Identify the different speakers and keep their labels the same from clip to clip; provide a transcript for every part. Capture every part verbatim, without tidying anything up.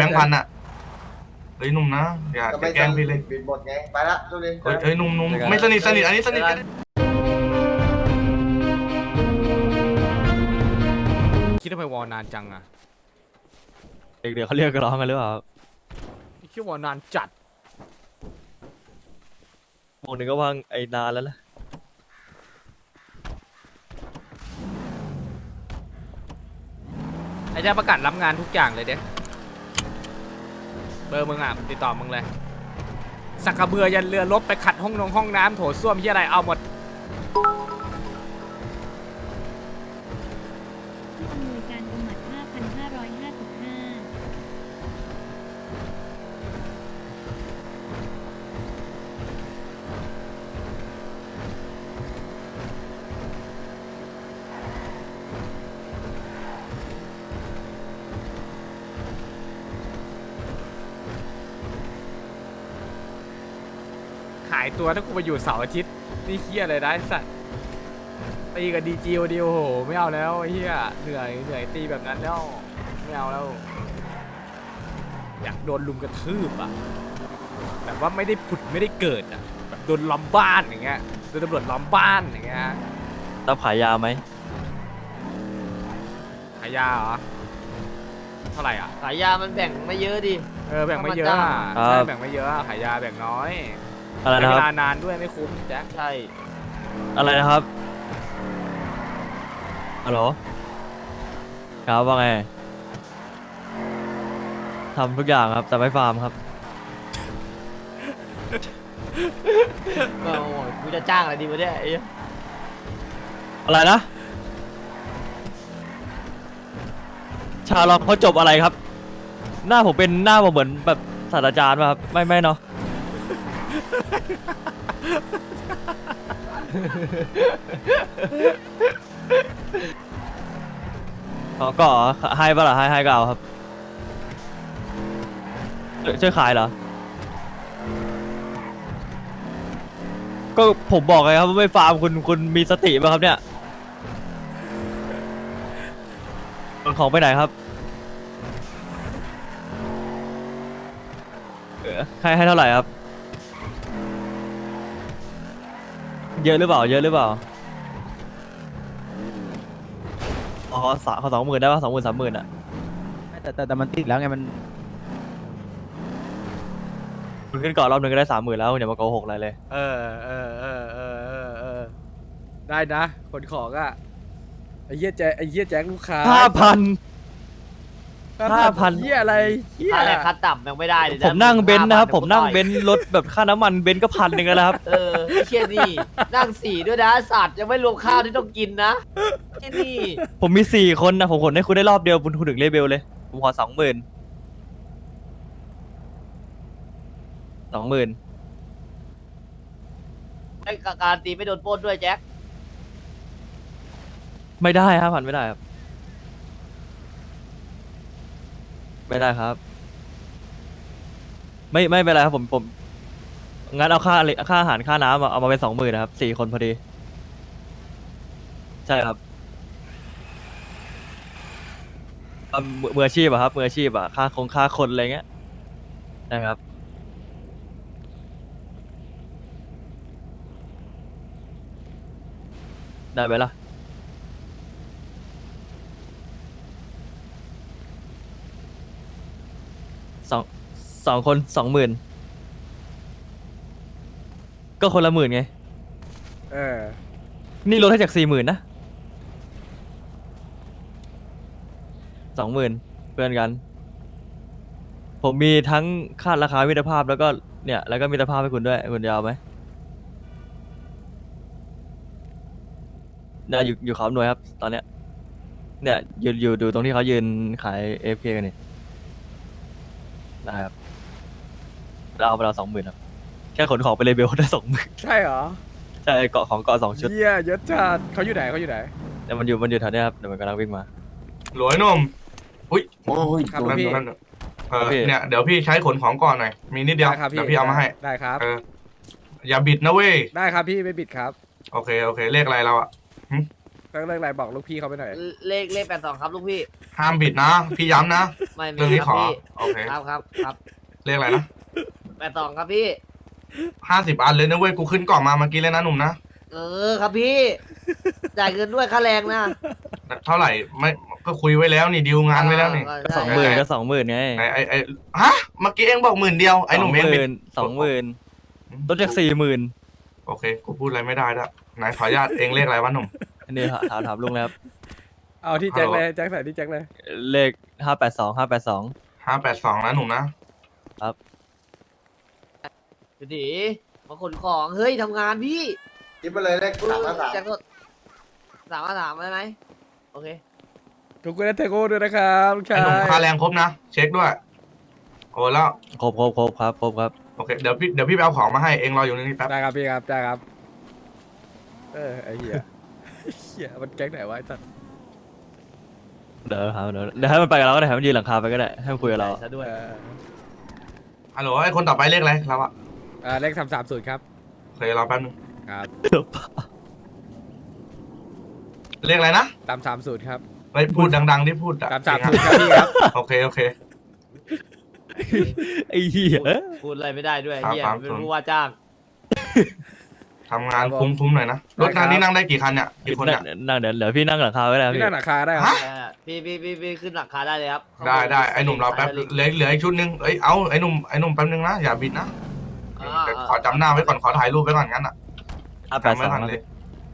Speaker 1: งค์พันอ่ะเฮ้ยหนุ่มนะอย่าแกล้งพี่เลย
Speaker 2: บินหมดไงไปละทุเรียน
Speaker 1: เฮ้ยเฮ้ยหนุ่มหนุ่มไม่สนิทสนิทอันนี้สนิทกัน
Speaker 3: คิดทำไมวอลนานจังอะ
Speaker 4: เด็กๆเขาเรียกร้องกันหรือเปล่า
Speaker 3: คิดวอลนานจัด
Speaker 4: วงหนึ่งก็ว่างไอ้นานแล้วล่ะ
Speaker 3: ไอ้เจ้าประกาศรับงานทุกอย่างเลยเด็กเบอร์มึงอ่ะติดต่อมึงเลยสักกระเบือยันเรือรบไปขัดห้องนงห้องน้ำโถส้วมที่อะไรเอาหมด
Speaker 5: ผู้อำนวยการอมัดห้าพันห้าร้อยห้าสิบห้า
Speaker 3: ขายตัวถ้ากูไปอยู่เสาร์อาทิตย์นี่เฮียอะไรได้สัตว์ตีกับดีจีวันเดียวโหไม่เอาแล้วไอ้เฮียเหนื่อยเหนื่อยตีแบบนั้นแล้วไม่เอาแล้วอยากโดนลุมกระทืบอ่ะแบบว่าไม่ได้ผุดไม่ได้เกิดอ่ะแบบโดนล้อมบ้านอย่างเงี้ยโดนตำรวจล้อมบ้านอย่างเงี้ย
Speaker 4: รับขายยาไหม
Speaker 3: ขายยาเหรอเท่าไหร่อ่ะ
Speaker 6: ขายยามันแบ่งไม่เยอะดิ
Speaker 3: เออแบ่งไม่เยอะอะใช่แบ่งไม่เยอะอะขายยาแบ่งน้อย
Speaker 4: อะไร
Speaker 3: ใช้
Speaker 4: นะ
Speaker 3: เว
Speaker 4: ครับ
Speaker 3: ลานานด้วยไม่คุ้มแจ็ค
Speaker 6: ใช่
Speaker 4: อะไรนะครับฮัลโหลครับว่าไงทำทุกอย่างครับแต่ไม่ฟาร์มครับ
Speaker 6: ก็โอ้ยกูจะจ้างอะไรดีวะเนี่ยไอ้
Speaker 4: อะไรนะ ชาลองเขาจบอะไรครับ หน้าผมเป็นหน้าผมเหมือนแบบศาสตราจารย์ป่ะครับไม่ไม่เนาะ เขาก็ให้ปะล่ะให้ให้ก็เอาครับช่วยช่วยขายเหรอ ก็ผมบอกไงครับว่าไม่ฟาร์มคุณคุณมีสติป่ะครับเนี่ยขนของไปไหนครับเออให้ให้เท่าไหร่ครับ เยอะหรือเปล่าเยอะหรือเปล่าอ๋อสามขอสองหมื่นได้ป่ะสองหมื่นสามหมื่นอ่ะ
Speaker 7: แต่แต่แต่มันติดแล้วไงมัน
Speaker 4: คุณขึ้นก่อนรอบหนึ่งก็ได้สามหมื่นแล้วคุณอย่ามาโกหกอะไรเลย
Speaker 3: เออเออเออเออเออเออได้นะคนของอ่ะไอ้เหี้ยแจ็คไอ้เหี้ยแจ็คลูกค้า
Speaker 4: ห้าพัน
Speaker 3: ห้า
Speaker 4: ห้าพั
Speaker 3: พัน
Speaker 4: น
Speaker 3: เหี้ยอะไรเหี้ย
Speaker 6: ค่าแรงขั้นต่ำยังไม่ได้เลยะ
Speaker 4: ผมนั่งเบนซ์นะครับ ผมนั่งเบน
Speaker 6: ซ์
Speaker 4: ซ์รถแบบค่าน้ำมันเบนซ์ก็พันหนึ่งแล้วนะครับ
Speaker 6: เออไอ้เชี่ยนี่นั่งสี่ด้วยนะสัตว์ยังไม่รวมข้าวที่ต้องกินนะไอ้นี่
Speaker 4: ผมมีสี่คนนะผมขนให้คุณได้รอบเดียวคุณคุณถึงเลเบลเลย ผมขอสองหมื่นสองหมื่น
Speaker 6: ไอ้การตีไม่โดนปล้นด้วยแจ็ค
Speaker 4: ไม่ได้ห้าพันไม่ได้ครับไม่ได้ครับ ไม่ไม่เป็นไรครับผมผมงั้นเอาค่าอะไรค่าอาหารค่าน้ำอะเอามาเป็นสองหมื่นนะครับสี่คนพอดีใช่ครับเอามือมืออาชีพอะครับมืออาชีพอะค่าคงค่าคนอะไรเงี้ยนะครับได้ไหมล่ะสองสองคนสองหมื่นก็คนละหมื่นไง
Speaker 3: เออ
Speaker 4: นี่ลดให้จากสี่หมื่นนะสองหมื่นเพื่อนกัน ผมมีทั้งค่าราคามิตรภาพแล้วก็เนี่ยแล้วก็มิตรภาพให้คุณด้วยคุณจะเอาไหมเนี่ยอยู่อยู่เขาหน่วยครับตอนเนี้ยเนี่ยอยู่อยู่ดูตรงที่เขายืนขายเอฟเคกันนี่ได้ครับเราเอาไปเราสองหมื่นครับแค่ขนของไปเลยเบลได้สองหมื่น
Speaker 3: ใช่เหรอ
Speaker 4: ใช่เกาะของเกาะสองชุด
Speaker 3: เหี้ยเยอะจัดเขาอยู่ไหนเขาอยู่ไหน
Speaker 4: แต่มันอยู่มันอยู่แถวเนี้ยครับเดี๋ยวมันกำลังวิ่งมา
Speaker 1: หลวยหนุ่มอุ้ย
Speaker 2: โอ้ย
Speaker 3: ครับ
Speaker 2: โดน
Speaker 3: พี่
Speaker 2: โดน
Speaker 1: เออ
Speaker 4: พี่
Speaker 1: เนี่ยเดี๋ยวพี่ใช้ขนของก่อนหน่อยมีนิดเดียว
Speaker 3: ได้ครับพี่
Speaker 1: เดี๋ยวพี่เอามาให้
Speaker 3: ได้ครับ
Speaker 1: เอออย่าบิดนะเว้ย
Speaker 3: ได้ครับพี่ไม่บิดครับ
Speaker 1: โอเคโอเคเลขอะไรเราอ่ะ
Speaker 3: ต้องเรื่องอะไรบอกลูกพี่เขาไปหน่อย
Speaker 6: เลขเลขแปดสองครับลูกพี่
Speaker 1: ห้ามบิดนะ พี่ย้ำนะ
Speaker 6: ไม่ไม่
Speaker 1: เรื่องนี้
Speaker 6: ค
Speaker 1: ข
Speaker 6: รับ
Speaker 1: อ
Speaker 6: พี่
Speaker 1: โอเค
Speaker 6: ครับครับครับ
Speaker 1: เลขอะไรนะ
Speaker 6: แปดสองครับพี่
Speaker 1: ห้าสิบอันเลยนะเว้ย กูขึ้นกล่องมาเมื่อกี้เลยนะหนุ่มนะ
Speaker 6: เออครับพี่ จ่ายเงินด้วยค่าแรงนะ
Speaker 1: เท่าไหร่ ไม่ ก็คุยไว้แล้วนี่ดีลงานไว้แล้วนี่
Speaker 6: ใช่
Speaker 4: สองหมื่นก็สองหมื่นไง
Speaker 1: ไอ้ไอ้ไอ้ฮะ เมื่อกี้เองบอกหมื่นเดียว ไอ้หนุ่ม
Speaker 4: ส
Speaker 1: เอ
Speaker 4: อง งห
Speaker 1: บิ
Speaker 4: มื่
Speaker 1: ด
Speaker 4: นสองหมื่นลดจากสี่หมื่น
Speaker 1: โอเค กูพูดอะไรไม่ได้แล้วนายขออนุญาตเองเลขอะไรวะหนุ่ม
Speaker 4: อันนี้ถามถามถามลุงแล้วครับ
Speaker 3: เอาที่แจ็คเลยแจ็คใส่ที่แจ็คเลย
Speaker 4: เลขห้าแปดสองห้าแปดสอง
Speaker 1: ห้าแปดสองนะหนุ่มนะ
Speaker 6: ดูดิมาขนของเฮ้ยทำงานพี่
Speaker 2: คิดไปเลยเลขสามห้าสาม
Speaker 6: แจ็คก็สามห้าสามได้ไหมโอเค
Speaker 3: ขอบคุณนะเทโก้ด้วยนะครับลูกชา
Speaker 1: ไอ้หนุ่ม
Speaker 3: ย
Speaker 1: ค่าแรงครบนะ เช็คด้วย โอ้แล้ว
Speaker 4: ครบครบครบครับครบครับ
Speaker 1: โอเค เดี๋ยวพี่ เดี๋ยวพี่ไปเอาของมาให้ เองรออยู่นี่แป๊บ
Speaker 3: ได้ครับพี่ครับได้ครับ เออไอ้เหี้ยเหี้ยมันแก๊งไหนวะไอ้สัส
Speaker 4: เดี๋ยวครับเดี๋ยวเดี๋ยวให้มันไปกับเราก็ได้ให้มันยืนหลังคาไปก็ได้ให้มันคุยกับเรา
Speaker 6: ซะด้วย
Speaker 3: เออ
Speaker 1: ฮัลโหลไอ้คนต่อไปเลขอะไรเราอะ
Speaker 3: เอ่าเลขสามสามศูนย์ครับ
Speaker 1: โอเครอแป๊บนึง
Speaker 3: ครับ
Speaker 1: เลขอะไรนะ
Speaker 3: สามสามศูนย์ครับ
Speaker 1: ไปพูดดังๆที่พูดอะ
Speaker 3: สามสามศูนย์ครับพี่ครับ
Speaker 1: โอเค โอเค
Speaker 4: ไอ้เหี้ย
Speaker 6: พูดอะไรไม่ได้ด้วย
Speaker 1: ครับ
Speaker 6: เฮีย
Speaker 1: ครับ
Speaker 6: เป็นผู้ว่าจ้าง
Speaker 1: ทำงานคุ้มๆหน่อยนะ รถงานนี้นั่งได้กี่คันเนี่ย กี่คน
Speaker 4: นั่
Speaker 1: เนี่ย
Speaker 4: งนั่งเดี๋ยวเดี๋ยวพี่นั่งหลังคาไว้แล้ว
Speaker 3: พี่
Speaker 4: พี่
Speaker 3: นั่งราคาได้ครับ
Speaker 1: ฮะ
Speaker 6: เออพี่พี่พี่พี่ขึ้นหลังคาได้เลยครับ
Speaker 1: ได้ได้ไอ้หนุ่มรอแป๊บ เหลือเหลืออีกชุดนึงเอ้ย เอาไอ้หนุ่ม ไอ้หนุ่มแป๊บนึงนะ อย่าบิดนะ
Speaker 6: อ่า
Speaker 1: เดี๋ยวขอจำหน้าไว้ก่อน ขอถ่ายรูปไว้ก่อนงั้นอ่ะ
Speaker 4: ห้าแปด
Speaker 1: จำ
Speaker 4: ส
Speaker 1: ไว้
Speaker 4: อง
Speaker 1: ก่อนเลย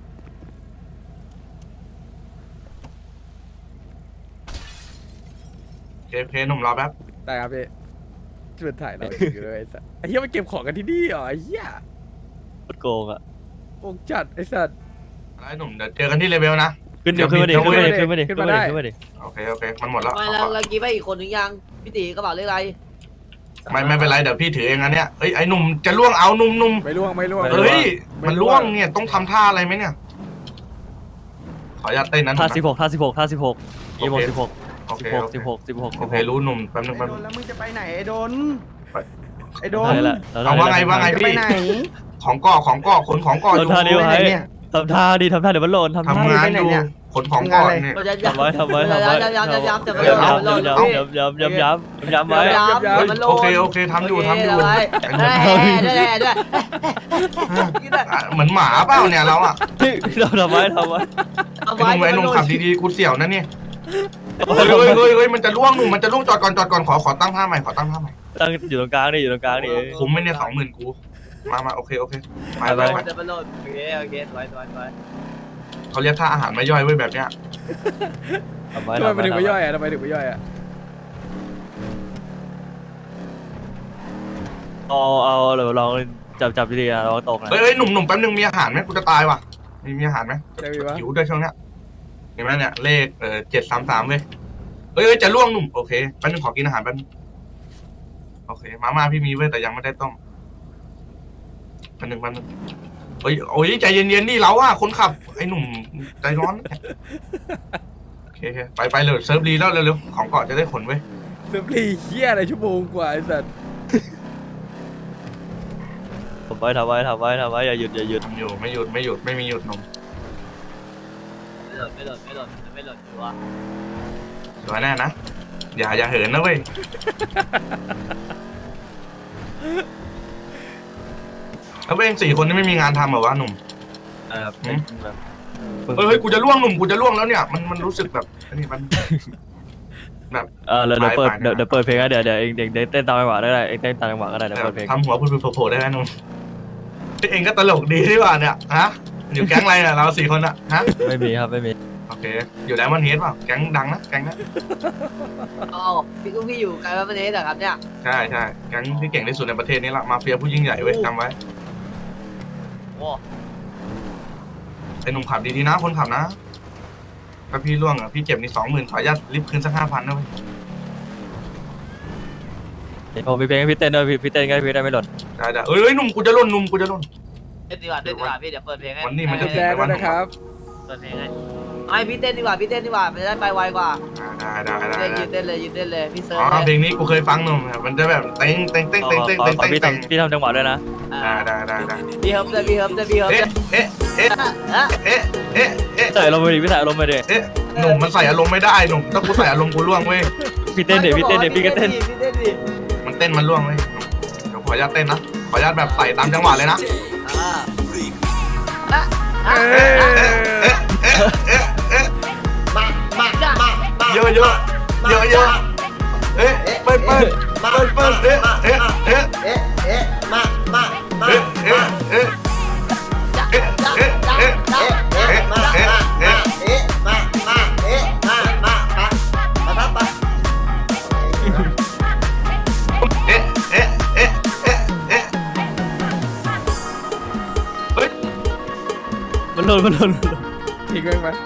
Speaker 1: โอเคโอเคหนุ่มรอแป๊บ
Speaker 3: ได้ครับพี่ช่วยถ่ายเราอยู่เลยไอ้สัสไอ้เหี้ยมันเก็บของกันที่นี่เหรอไอ้เหี้ย
Speaker 4: โกงอ่ะ
Speaker 3: โอ้จัดไอ้สัส
Speaker 1: ไอ้หนุ่มเดี๋ยวเจอกันที่เลเวลนะ
Speaker 4: ขึ้นเดี๋ยวขึ้นมาดิขึ้นมาดิขึ้นมาดิ
Speaker 3: ขึ้
Speaker 4: ขึ้
Speaker 3: น
Speaker 4: น
Speaker 3: มา
Speaker 4: มา
Speaker 3: ได้
Speaker 4: ดิขึ้นมาดิ
Speaker 1: โอเค โอเค มันหมดแล้ว
Speaker 6: ไม่
Speaker 1: เอา
Speaker 6: แล้ว
Speaker 1: ก่อน
Speaker 6: แล้วกี้ไปอีกคนหนึ่งยังพี่ตีกระเป๋าเลขอะไร
Speaker 1: ไม่ไม่เป็นไร เดี๋ยวพี่ถือเองอันเนี้ยเอ้ย ไอ้หนุ่มจะล่วงเอาหนุ่มหนุ่ม
Speaker 3: ไม่ล่วงไม่ล่วง
Speaker 1: เฮ้ย มันล่วงเนี่ย ต้องทำท่าอะไรไหมเนี่ย ขออนุญาตเต้นนั้น
Speaker 4: ท่าสิบหกท่าสิบหกท่าสิบหกยี่โมงสิบหก
Speaker 1: โอ
Speaker 4: สิ
Speaker 1: เค
Speaker 4: บหก
Speaker 1: โอเค
Speaker 4: สิบหกสิบหก
Speaker 1: โอเครู้หนุ่มแป๊บนึงแป๊บนึง
Speaker 2: แล้วมึงจะไปไหนไอ้โดน
Speaker 1: ไป
Speaker 2: ไอ้โดน
Speaker 4: ได้ละ
Speaker 1: เอาว่าไงว่าไง
Speaker 2: จะไปไหน
Speaker 1: ของก่อของก่อขนของก่ออยู่
Speaker 4: ท่าเดียว
Speaker 2: ไปไหน
Speaker 4: ให้
Speaker 2: เนี่ย
Speaker 4: ทำท่าดิทำท่าเดี๋ยวมันหล่นทำท่า
Speaker 1: ทำงาน
Speaker 2: ไปไหน
Speaker 1: อยู่
Speaker 2: เนี่ย
Speaker 1: ขนของก่อนเนี่ย
Speaker 6: เราจะ
Speaker 4: ทำไว้ทำไว้ทำไว้
Speaker 6: ย้ำย้ำย้ำย้ำแต่ไม่
Speaker 4: ย้
Speaker 6: โดน
Speaker 4: ำ
Speaker 6: ไม่โดน
Speaker 4: ย้ำย้ำย้ำย้ำย้ำย้ำไว้
Speaker 6: ย้ำย้ำมันโดน
Speaker 1: โอเคโอเคทำอยู่ทำอยู่
Speaker 6: ไว้ด้วยด้วยด้วย
Speaker 1: อ่ะเหมือนหมาเปล่าเนี่ยเราอ่ะ
Speaker 4: เราทำไว้ทำไว้
Speaker 6: เอา
Speaker 1: ไอ้ห
Speaker 6: ไว้
Speaker 1: นุ่มไอ้หนุ่มขับดีๆกูเสี่ยวนะเนี่ยเฮ้ยเฮ้ยเฮ้ยเฮ้ยมันจะล่วงหนุ่มมันจะล่วงจอดก่อนจอดก่อนขอขอตั้งท่าใหม่ขอตั้งท่าใหม่
Speaker 4: ตั้งอยู่ตรงกลางดิอยู่ตรงกลางดิ
Speaker 1: คุ้มไหมเนี่ยสองหมื่นกูมามาโอเคโอเคไปไปไป
Speaker 6: จะมันโดนโอเคโอเคสวยสวยสวย
Speaker 1: เขาเรียกท่าอาหารไม่ย่อยเว้ยแบบเนี้ย
Speaker 4: ทำไว้
Speaker 3: ทำไม
Speaker 4: ทำ
Speaker 3: มัน
Speaker 4: ไว้
Speaker 3: ถึงไม่ย่อยอ่ะทำไมถึงไม่ย่อยอ่ะ
Speaker 4: เอาเอาเดี๋ยวลองจับจับดีๆนะลองตกนะ
Speaker 1: เฮ้ยเฮ้ยหนุ่มหนุ่มแป๊บนึงมีอาหารไหมกูจะตายว่ะมีมีอาหารไหม
Speaker 3: จะมีวะ
Speaker 1: หิวด้วยช่วงเนี้ยเห็นไหมเนี่ยเลขเออเจ็ดสามสามเว้ยเฮ้ยเฮ้ยจะล่วงหนุ่มโอเคแป๊บนึงขอกินอาหารแป๊บนึงโอเคมาม่าพี่มีเว้ยแต่ยังไม่ได้ต้มแป๊บนึงแป๊บนึงเฮ้ยโอ้ยใจเย็นๆนี่เราอะคนขับไอ้หนุ่มใจร้อนโอเคโอเคไปไปเลยเซิร์ฟรีแล้วเร็วๆของเกาะจะได้ขนเว้ย
Speaker 3: เซิร์ฟรีเหี้ยอะไรชั่วโมงกว่าไอ้สัส
Speaker 4: ทำไว้ทำไว้ทำไว้ทำไว้อย่าหยุดอย่าหยุด
Speaker 1: ทำอยู่ไม่หยุดไม่หยุดไม่มีหยุดหนุ่ม
Speaker 6: ไม่หล่นไม่หล่นไม่หล่นไม่หล่นชัวร์
Speaker 1: สวยแน่นะอย่าอย่าเหินนะเว้ยแล้วเองสี่คนนี่ไม่มีงานทำเหรอวะหนุ่ม
Speaker 4: นะครับ
Speaker 1: หืม
Speaker 4: แบบ
Speaker 1: เฮ้ยเฮ้ยกูจะล่วงหนุ่มกูจะล่วงแล้วเนี่ยมันมันรู้สึกแบบอันนี้มัน
Speaker 4: เออเดี๋ยวเดี๋ยวเปิด
Speaker 1: ไปไป
Speaker 4: เดี๋ยวเดี๋ยวเปิดเพลงนะเดี๋ยวเดี๋ยวเองเด็กเด็กเต้นตามจังหวะได้เลยเองเต้นตามจังหวะก็ได้เดี๋ยวเปิดเพลง
Speaker 1: ทำหัวพูดโผล่ๆได้ไหมหนุ่มเองก็ตลกดีที่ว่าเนี่ยฮะอยู่แก๊งอะไรเนี่ยเราสี่คนอะฮะ
Speaker 4: ไม่มีครับไม่มี
Speaker 1: โอเคอยู่แล้วมันเฮดเปล่าแก๊งดังนะแก๊งนะ
Speaker 6: อ๋อพี่กุ้งพี่อยู่ไกลบ้านประเทศเหรอครับเนี่ย
Speaker 1: ใช่ใช่แก๊งที่เก่งที่สุดในประเทศนี้ละมาเฟียผู้ยิ่งใหญ่เว้ยจำไว้
Speaker 6: โอ้
Speaker 1: ไอ้หนุ่มขับดีๆนะคนขับนะถ้าพี่ล่วงอ่ะพี่เจ็บนี่สองหมื่นขออนุญาตรีบคืนสักห้าพันนะเว้ย
Speaker 4: ผมมีเพลงให้พี่เต้นด้วยพี่พี่เต้นก็พี่ได้ไม่หล่น
Speaker 1: ได้ได้เอ้ยเอ้ยหนุ่มกูจะล่นหนุ่มกูจะล่น
Speaker 6: เต้นดีกว่าเต้นดีกว่าพี่เดี๋ยวเปิดเพลงให้
Speaker 1: วันนี้มันจะ
Speaker 3: แจ้งด้วยนะครับ
Speaker 6: เปิดเพลงให้ไอพี่เต้นดีกว่าพี่เต้นดีกว่ามันจะได้ไปไวกว่า
Speaker 1: ได้ได้ได้
Speaker 6: เต้น
Speaker 1: ได้
Speaker 6: ยืนเต้นเลยยืนเต้นเลยพี่เซิร์
Speaker 1: อ๋
Speaker 6: ฟ
Speaker 1: อเพ
Speaker 6: เล
Speaker 1: ล
Speaker 6: ย
Speaker 1: งนี้กูเคยฟังหนุ่มมันจะแบบเต้งเต้งเต้ง
Speaker 4: ขอ
Speaker 1: เต้งเต้ง
Speaker 4: ขอ
Speaker 1: เต้ง
Speaker 4: ขอ
Speaker 1: เต้ง
Speaker 4: พี่
Speaker 1: เต้ง
Speaker 4: ทำพี่ทำจังหวะด้วยนะ
Speaker 6: อ่า
Speaker 1: ได้ได้ได้ได้
Speaker 6: พี่เฮิร์บเลยพี่เฮิร์บเลยพี่เฮิร์บเล
Speaker 1: เอ๊ะ
Speaker 6: ย
Speaker 1: เอ๊ะเอ๊ะ
Speaker 6: อ่ะ
Speaker 1: เอ๊ะเอ๊ะเอ๊ะ
Speaker 4: ใส่อารมณ์ไปดิพี่ใส่อารมณ์ไปดิ
Speaker 1: เอ๊ะหนุ่มมันใส่อารมณ์ไม่ได้หนุ่มถ้ากูใส่อารมณ์กูล่วงเว้ย
Speaker 4: พี่เต้นเดี๋ยวพี่เต้นเดี๋ยวพี่ก็เต้น
Speaker 6: พี่เต้นดิ
Speaker 1: มันเต้นมันล่วงเว้ยเดี๋ยวขออนุญาตเต้นนะขออนุญาตแบบใส่ตามจังหวะเลยนะ
Speaker 6: อ่าอ่ะอ่ะ
Speaker 1: เอ๊ะเอ๊ะเอ๊ะเอ๊ะเอ๊ะเอ๊ะ
Speaker 2: มามามามา
Speaker 1: เยอะเยอะเยอะเยอะเอ๊ะเปิ้ลเปิ้ลเปิ้ลเปิ้ลเอ๊ะเอ๊ะเอ๊ะ
Speaker 2: เอ๊ะเอ๊ะมามามา
Speaker 1: เอ๊ะเอ๊ะเอ๊ะ
Speaker 6: จ๊ะ
Speaker 1: เอ๊ะ
Speaker 6: จ๊ะ
Speaker 1: เอ๊ะ
Speaker 6: จ๊ะ
Speaker 1: เอ๊ะ
Speaker 6: จ๊ะ
Speaker 2: เอ๊ะมามามาเอ๊ะมามาเอ๊ะมามามามาทับปะ
Speaker 1: เอ๊ะเอ๊ะเอ๊ะเอ๊ะเอ๊ะเฮ้ย
Speaker 4: มันหล่นมันหล่นมันหล่น
Speaker 3: ทิ้งไว้ไหม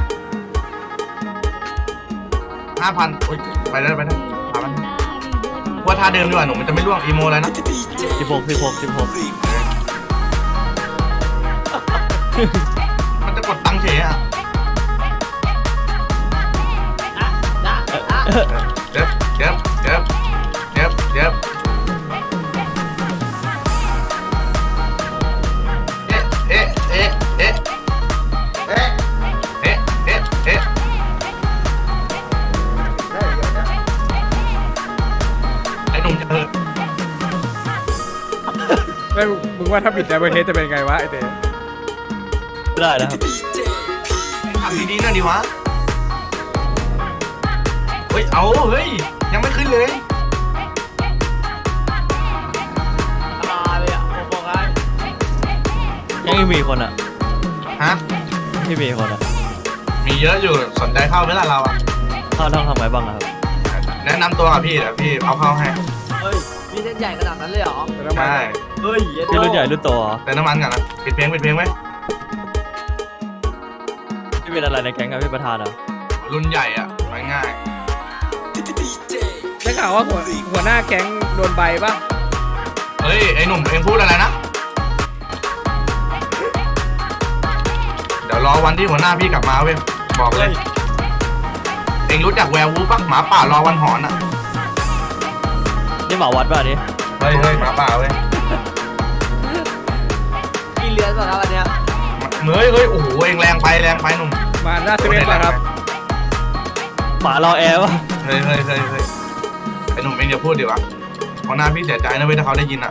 Speaker 1: ห้าพันโอ้ยไปได้ไปได้พามันว่าท่าเดิมดีกว่าหนุ่มมันจะไม่ล่วงอีโมเลยนะ
Speaker 4: สิบหกสิบหกสิบหก
Speaker 1: มันจะกดตังค์เฉยอ่ะ
Speaker 6: จ๊ะจ๊ะจ๊ะ
Speaker 1: เจ็บเจ็บเจ็บเจ็บเจ็บเอ๊ะเอ๊ะเอ๊ะเอ๊ะ
Speaker 2: เอ๊ะ
Speaker 1: เอ๊ะเอ๊ะเอ๊ะ
Speaker 2: ได้เดี๋ยวนะ
Speaker 1: ไอ้หนุ่มจะเออ
Speaker 3: ไม่มึงมึงว่าถ้าบิดในประเทศจะเป็นไงวะไอเต้
Speaker 4: ไม่ได้นะครับ
Speaker 1: ทำดีๆหน่อยดิวะเฮ้ยเอาเฮ้ยยังไม่ขึ้นเลย
Speaker 6: มาเลยอ่ะผมบอกให้
Speaker 4: ยังไม่มีคนอ่ะ
Speaker 1: ฮะ
Speaker 4: ไม่มีคนอ่ะ
Speaker 1: มีเยอะอยู่สนใจเข้าไหมล่ะเราอ่ะ
Speaker 4: เข้าต้องทำไงบ้างอะครับ
Speaker 1: แนะนำตัวกับพี่เดี๋ยวพี่เอาเข้าให้
Speaker 6: เฮ้ยมีเส้นใหญ่ขนาดนั้นเลยเหรอ
Speaker 1: ใช่
Speaker 6: เฮ้ย
Speaker 4: พี่รุ่นใหญ่รุ่นโตเหรอ
Speaker 1: แต่น้ำมันกันนะปิดเพลงปิดเพลงไว้
Speaker 4: พี่เป็นอะไรในแก๊งกับพี่ประธานเหรอ
Speaker 1: รุ่นใหญ่อ่ะง่าย
Speaker 3: ได้ข่าวว่าหัวหัวหน้าแก๊งโดนใบป่ะ
Speaker 1: ๆเฮ้ยไอ้หนุ่มเองพูดอะไรนะเดี๋ยวรอวันที่หัวหน้าพี่กลับมาเว้ยบอกเลยเองรู้จักแวร์วูฟปะหมาป่ารอวันหอนอ่ะ
Speaker 4: นี่หมาวัดป่ะอันนี้
Speaker 1: เฮ้ยเฮ้ยหมาป่าเว้ย
Speaker 6: กินเลือนป่ะครับอันเนี้ย
Speaker 1: เฮ้ยเฮ้ยโอ้โหเองแรงไปแรงไปหนุ่ม
Speaker 3: มาหน้าเซเว่นป่ะครับ
Speaker 4: หมารอแอร์ป่ะ
Speaker 1: เฮ้ยเฮ้ยเฮ้ยเฮ้ยไอ้หนุ่มเองอย่าพูดดิวะหัวหน้าพี่เสียใจนะเว้ยถ้าเขาได้ยินอ่ะ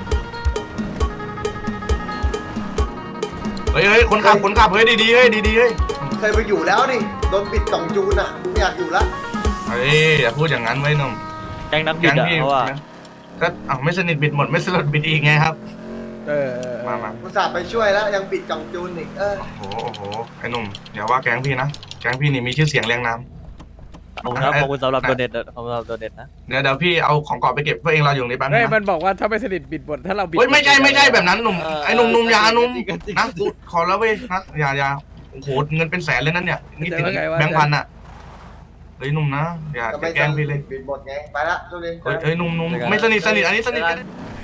Speaker 1: เฮ้ยเฮ้ยคนขับคนขับเฮ้ยดีๆเฮ้ยดีๆเฮ้ย
Speaker 2: เคยไปอยู่แล้วนี่โดนปิดกล่องจูนอ่ะไม่อยากอยู่ละ
Speaker 1: เฮ้ยอย่าพูดอย่างนั้นไว้ยหนุ่ม
Speaker 4: แก๊งนักบิ
Speaker 1: แก๊
Speaker 4: ด
Speaker 1: ง
Speaker 4: อะ
Speaker 1: พี่
Speaker 4: เพราะว่า
Speaker 1: ก็อ้าวไม่สนิทบิดหมดไม่สลดบิดอีกไงครับ
Speaker 3: เออเออเออ
Speaker 1: มามา
Speaker 2: อุตส่าห์ไปช่วยแล้วยังปิดกล่องจูนอีกเออ
Speaker 1: โอ้โหโอ้โหไอ้หนุ่มอย่าว่าแก๊งพี่นะแก๊งพี่นี่มีชื่อเสียงเรียงนาม
Speaker 4: ขอบคุณครับขอบคุณสำหรับโดเนทขอบคุณสำหรับโดเนทนะ
Speaker 1: เดี๋ยวเดี๋ยวพี่เอาของกรอบไปเก็บเพื่อเองรออยู่ตรงนี้แป๊บนึ
Speaker 3: เฮ้ย
Speaker 1: ง
Speaker 3: มั
Speaker 1: นะ
Speaker 3: นบอกว่าถ้าไม่สนิทบิดบทถ้าเราบิด
Speaker 1: เฮ้ยไม่ใช่ไม่ใช่แบบนั้นหนุ่ม
Speaker 6: เออ
Speaker 1: ไอ้หนุ่มหนุ่มอยาหนุ่ม
Speaker 6: จริงๆจริงๆ
Speaker 1: นะกูขอแล้วเว้ยนะอย่าอย่าโอ้โหเงินเป็นแสนเลยนั่นเนี่ยนี่ติดแบงค์พันอ่ะเฮ้ยหนุ่มนะอย่า
Speaker 2: ก็
Speaker 1: อย่า
Speaker 2: ไม่
Speaker 1: แกล้งพี่เลย
Speaker 2: ปิดหมดไงไปละช่วงนี้
Speaker 1: เฮ้ยเฮ้ยหนุ่มหนุ่มไม่สนิทสนิทอันนี้สนิทกัน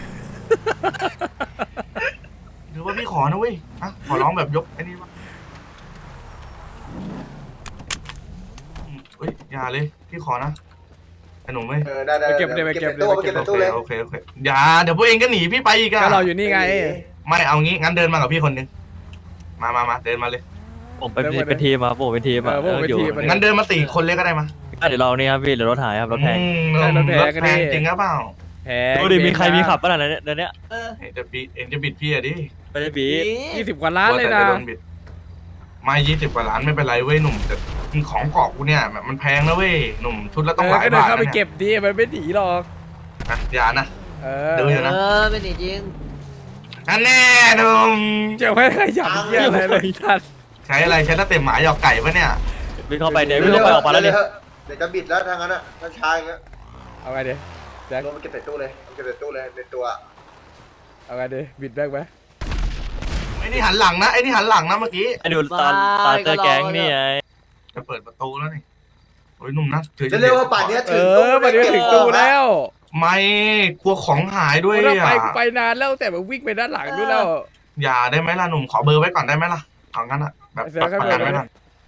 Speaker 1: หรือว่าพี่ขอนะเว้ยนะขอร้องแบบยกไอ้นี่วะเฮ้ยอย่าเลยพี่ขอนะไอ้หนุ่มเว้ย
Speaker 2: เออได้ได้
Speaker 3: ไปเก็บเลยไปเก็บ
Speaker 2: ตู้
Speaker 3: เลย
Speaker 2: ไปเก็บใน
Speaker 1: โอ
Speaker 2: ตู้
Speaker 1: เค
Speaker 2: เลย
Speaker 1: โอเคโอเคอย่าเดี๋ยวพวกเองก็หนีพี่ไปอีกอะ
Speaker 3: ก็เราอยู่นี่ไง
Speaker 1: ไม่เอางี้งั้นเดินมากับพี่คนหนึงมามามาเดินมาเลย
Speaker 4: ผมเป็นเป็นทีมครับผมเป็นทีมอะ
Speaker 3: เออพวกเป็น
Speaker 4: อยู่
Speaker 3: ทีม
Speaker 1: งั้นเดินมาสี่คนเลยก็ได้มา
Speaker 4: ก็เดี๋ยวเรานี่ครับพี่เดี๋ยวรถหายครับรถแพง
Speaker 1: อืม
Speaker 3: ใช่รถแพง
Speaker 1: รถ
Speaker 3: ก็
Speaker 1: แพ
Speaker 3: ดี
Speaker 1: งจริงหรือเปล่า
Speaker 3: แพ้
Speaker 4: ดูดิมีใครมีขับป่ะล่ะเนี่ยเดี๋ยวนี้
Speaker 6: เออ
Speaker 1: เอ็งจะบิดเอ็งจะบิดพี่อะดิ
Speaker 4: ไม่ได้บี
Speaker 3: ยี่สิบกว่าล้านเลยนะ
Speaker 1: กวแต่จโดบิดไม่ยี่สิบกว่าล้านไม่เป็นไรเว้ยหนุ่มแต่ของเกาะกูเนี่ยแบบมันแพงนะเว้ยหนุ่มชุดละ
Speaker 3: เอ
Speaker 1: ต้อง
Speaker 3: อ
Speaker 1: หลาย
Speaker 3: ก็เดิน
Speaker 1: บาท
Speaker 3: เข้าไป
Speaker 1: นะ
Speaker 3: เก็บดิมันไม่หนีหรอก
Speaker 1: นะอย่านะ
Speaker 3: เออ
Speaker 1: ดูอยู่นะ
Speaker 6: เออเป็นอย่างจริง
Speaker 1: อันแน่หนุ่ม
Speaker 3: จะไม่ขยับเหี้ยอะไรเลยท่าน
Speaker 1: ใช้อะไรใช้ตะเต็มหมาหยอกไก่ปะเนี่ย
Speaker 4: วิ่งเข้าไปเดี๋ยววิ่งเข้าไปออกมาแล้วเนี่ย
Speaker 2: เดี๋ยวจะบิดแล้วทางนั้นอ่ะถ้าช้าอย่างเงี้ย
Speaker 3: เอาไงดิแจ็ค
Speaker 2: ลงไปเก็บใส่ตู้เลยเอาเก็บใส่ตู้เลยในตัว
Speaker 3: เอาไงดิบิดแบกไหม
Speaker 1: ไอ้นี่หันหลังนะไอ้นี่หันหลังนะเมื่อกี้
Speaker 4: ไอ้ดูตาตาเจอแก๊งนี่ไง
Speaker 1: จะเปิดประตูแล้วนี่โอ้ยหนุ่มนะถือ
Speaker 2: จะเร็วว่าป่านเนี้ย
Speaker 3: เอ
Speaker 2: ถึงตู้
Speaker 3: อมันจะถึงตู้แล้ว
Speaker 1: ไม่กลัวของหายด้วย
Speaker 3: ถ้า
Speaker 1: อ่ะ
Speaker 3: ไปกูไปนานแล้วแต่มันวิ่งไปด้านหลังด้วยแล้ว
Speaker 1: อย่าได้ไหมล่ะหนุ่มขอเบอร์ไว้ก่อนได้ไหมล่ะเอางั้นอ่ะแบบ
Speaker 3: เสือ
Speaker 1: ประกันไว้ก่อน
Speaker 4: แต่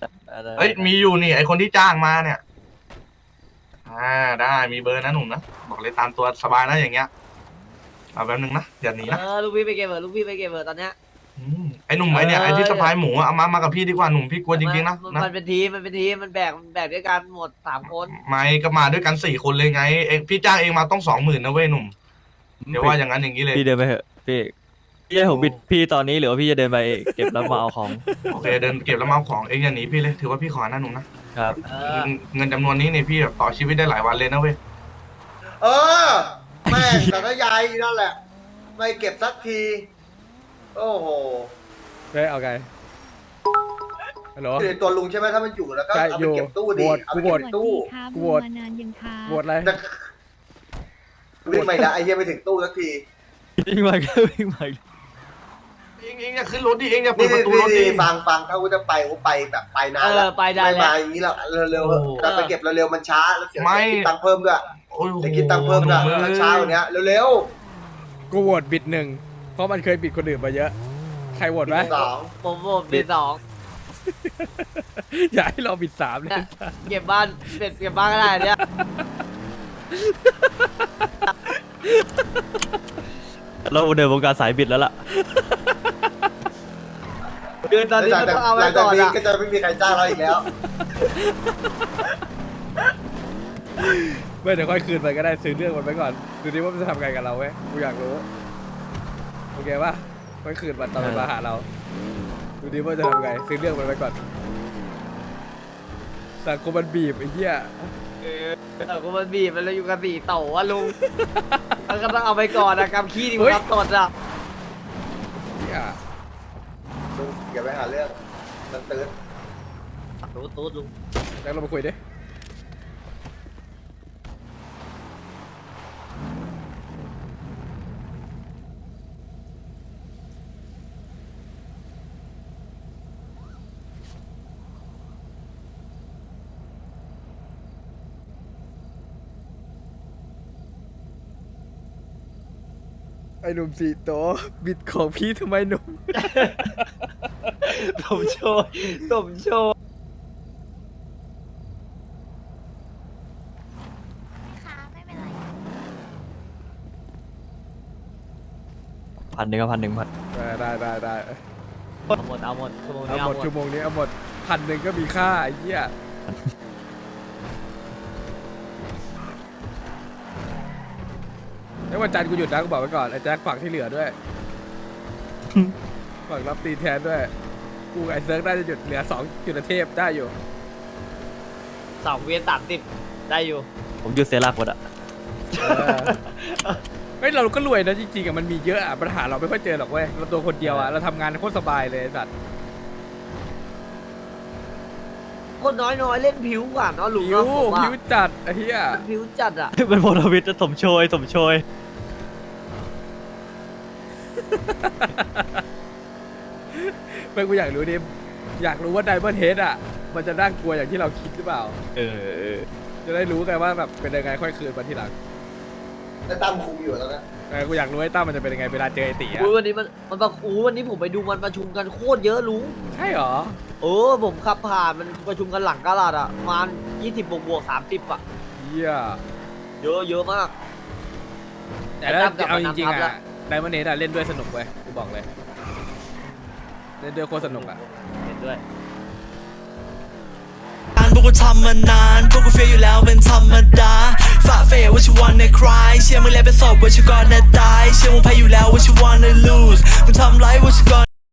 Speaker 4: ได้
Speaker 1: เอ้ยมีอยู่นี่ไอคนที่จ้างมาเนี่ย อ่าได้มีเบอร์นะหนุ่มนะบอกเลยตามตัวสบายนะอย่างเงี้ยเอาแป๊บนึงนะอย่าหนีนะ
Speaker 6: เออลูกพี่ไปเก็บเบอร์ลูกพี่ไปเก็บเบอร์ตอนเนี้ย
Speaker 1: อืมไอหนุ่มไอเนี่ยไอที่สะพายหมูอะเอามามากับพี่ดีกว่าหนุ่มพี่กลัวจริงๆนะ
Speaker 6: มัน
Speaker 1: นะ
Speaker 6: มันเป็นทีมมันเป็นทีมมันแบกมันแบกด้วยกันหมดสามคน
Speaker 1: ไม่ก็มาด้วยกันสี่คนเลยไงเองพี่จ้างเองมาต้องสองหมื่นนะเว้ยหนุ่มเดี๋ยวว่าอย่างนั้นอย่างนี้เลย
Speaker 4: พี่เดินไปเถอะพี่พี่ให้ผมบิดพี่ตอนนี้หรือว่าพี่จะเดินไปเก็บแล้วมาเอาของ
Speaker 1: โอเคเดินเก็บแล้วมาเอาของเองอย่าหนีพี่เลยถือว่าพี่ขอนะหนุ่มนะครับ
Speaker 6: เออ
Speaker 1: เงินเงินจำนวนนี้เนี่ยพี่แบบต่อชีวิตได้หลายวันเลยนะเว้ย
Speaker 2: เออแม่งสารยายนั่นแหละ ไม่เก็บสักที โอ้โห
Speaker 3: เฮ้ยเอาไงฮัลโหล
Speaker 2: คือตัวลุงใช่ไหมถ้ามันอยู่แล้วก็
Speaker 3: ใช่
Speaker 2: เอา
Speaker 3: อ
Speaker 2: ไป
Speaker 3: ยู่
Speaker 2: เก็บตู้
Speaker 3: โห
Speaker 2: ดี
Speaker 3: วต
Speaker 2: เอา
Speaker 3: กู
Speaker 2: ไป
Speaker 3: โหว
Speaker 2: เก็
Speaker 3: ต
Speaker 2: บตู้
Speaker 5: ครับ
Speaker 3: โหวต
Speaker 5: มานานยังครับ
Speaker 3: โหวตอะไร
Speaker 2: วิ่งไม่ได้ไอ้เหี้ยไปถึงตู้สักที
Speaker 4: วิ่งมาก็วิ่งมา
Speaker 1: เองเองอย่าขึ้นรถดิเองอย่าเปิ
Speaker 2: นี่
Speaker 1: ดประตูรถดิ
Speaker 2: นี่ฟังฟังถ้ากูจะไปกูไปแบบไปนาน
Speaker 6: เอ
Speaker 2: แล้
Speaker 6: อ
Speaker 2: ว
Speaker 6: ไปได้
Speaker 2: ไม่
Speaker 6: แล้
Speaker 2: มาว อย่างนี้แล้วเร็ว
Speaker 1: โอ้
Speaker 2: ๆแต่ไปเก็บเร็วๆมันช้าแล้วเสีย
Speaker 1: ไม่
Speaker 2: คิดตังค์เพิ่มด้วย
Speaker 1: โอ้ย
Speaker 2: จะคิดตังค์เพิ่มด้วย
Speaker 1: หนุ่
Speaker 2: มันช้ากว่านี้เร็ว
Speaker 3: กูโหวตบิดหนึ่งเพราะมันเคยบิดคนอื่นมาเยอะ ใครโหวตไหม
Speaker 2: ๆสอง
Speaker 6: ผมผมปีสอง
Speaker 3: อย่าให้เราบิดสามเลย
Speaker 6: เก็บบ้านเก็บเก็บบ้านก็ได้เนี่ย
Speaker 4: เราเดินวงการสายบิดแล้วล่ะ
Speaker 6: เดือนตอนนี้มันต้องเอา
Speaker 2: ห
Speaker 6: ไว้
Speaker 2: ลังจาก
Speaker 6: ก่อน
Speaker 2: นี้
Speaker 6: อะ
Speaker 2: ก็จะไม่มีใครจ้างเราอีกแล้ว
Speaker 3: ไม่เดี๋ยวค่อยคืนไปก็ได้ซื้อเรื่องมันไปก่อนดูดิว่ามันจะทำไงกับเราเว้ยกูอยากรู้โอเคป่ะค่อยคืนมันตอนมันมาหาเราดูดิว่าจะทำไงซื้อเรื่องมันไปก่อนสังคมมันบีบไอ้เหี้ย
Speaker 6: เออแต่กูมันบีบมันเลยอยู่กับสี่เต่าอะลุงมันก็ต้องเอาไปก่อนอะกำขี้ดีกว่าตดอะ
Speaker 3: เหี้ย
Speaker 2: ลุงอย่าไปหาเรื่องมันตื่น
Speaker 6: รู้ตูดลุง
Speaker 3: แล้วเรามาคุยดิไอ้หนุ่มสีโตบิดของพี่ทำไมหนุ่ม
Speaker 6: สมโชยสมโชย
Speaker 5: ค่ะไม่เป็นไร
Speaker 4: พันหนึ่งก็พันหนึ่งพัน
Speaker 3: ได้ได้ได้ได้
Speaker 6: เอาหมดเอาหมดชั่วโมง
Speaker 3: เอา
Speaker 6: นี้
Speaker 3: หม
Speaker 6: เอา
Speaker 3: ด
Speaker 6: หมด
Speaker 3: ชั่วโมงนี้เอาหมดพันหนึ่งก็มีค่าไอ้เหี้ยแล้ววันจันทร์กูหยุดนะกูบอกไว้ก่อนไอ้แจ็คฝากที่เหลือด้วย ฝากรับตีแทนด้วย กูกับไอ้เซิร์กน่าจะหยุดเหลือสองจุดเทพได้อยู่
Speaker 6: สองเวียนสามสิบได้อยู่
Speaker 4: ผมหยุดเสียหลักหมดอ่ะ
Speaker 3: เออเฮ้ยเราก็รวยนะจริงๆอะมันมีเยอะอะปัญหาเราไม่ค่อยเจอหรอกเว้ยเราตัวคนเดียวอะเราทำงานโคตรสบายเลยไอ้สัตว์
Speaker 6: คนน้อยน้อยๆเล่นผิวกว่าเนาะลุง
Speaker 3: ผิว
Speaker 6: เนาะผมว่า
Speaker 3: ผิวจัดไอ้เหี้ย
Speaker 6: มันผิวจัดอะ
Speaker 4: เป็นพลวิทย์จะสมโชยสมโชย
Speaker 3: เพื่อนกูอยากรู้ดิอยากรู้ว่าไดมอนด์เฮดอะมันจะน่ากลัวอย่างที่เราคิดหรือเปล่า
Speaker 4: เออ
Speaker 3: จะได้รู้กันว่าแบบเป็นยังไงค่อยคืนมาทีหลัง
Speaker 2: แล้วตั้มคุมอยู่แล้วนะ
Speaker 3: เออกูอยากรู้ไอ้ตั้มมันจะเป็นยังไงเวลาเจอไอ้ตีอะ
Speaker 6: อุ้ยวันนี้มันมันประอู้วันนี้ผมไปดูมันประชุมกันโคตรเยอะลุง
Speaker 3: ใช่เหรอ
Speaker 6: เออผมขับผ่านมันประชุมกันหลังกาลาดอะประมาณยี่สิบบวกบวกสามสิบอะ
Speaker 3: เหี้ย
Speaker 6: เยอะเยอะมาก
Speaker 3: แต่ถ้า
Speaker 6: ไอ้ตั้มกลับ
Speaker 3: เอา
Speaker 6: มา
Speaker 3: จริงๆ
Speaker 6: นำทัพแล้
Speaker 3: อะ
Speaker 6: ว
Speaker 3: ไดมอนด์เฮดอะเล่นด้วยสนุกเว้ยกูบอกเลย เล่นด้วยโคตรสนุกอะ
Speaker 6: เห็นด้วย
Speaker 8: พวกกูทำมานาน พวกกูเฟียอยู่แล้วเป็นธรรมดาฝ่าเฟยว่าชิวันในคลายเชื่อมึงแล้วเป็นศพว่าชิวันในตายเชื่อมึงแพ้อยู่แล้วว่าชิวันใน lose มึงทำไรว่าชิวัน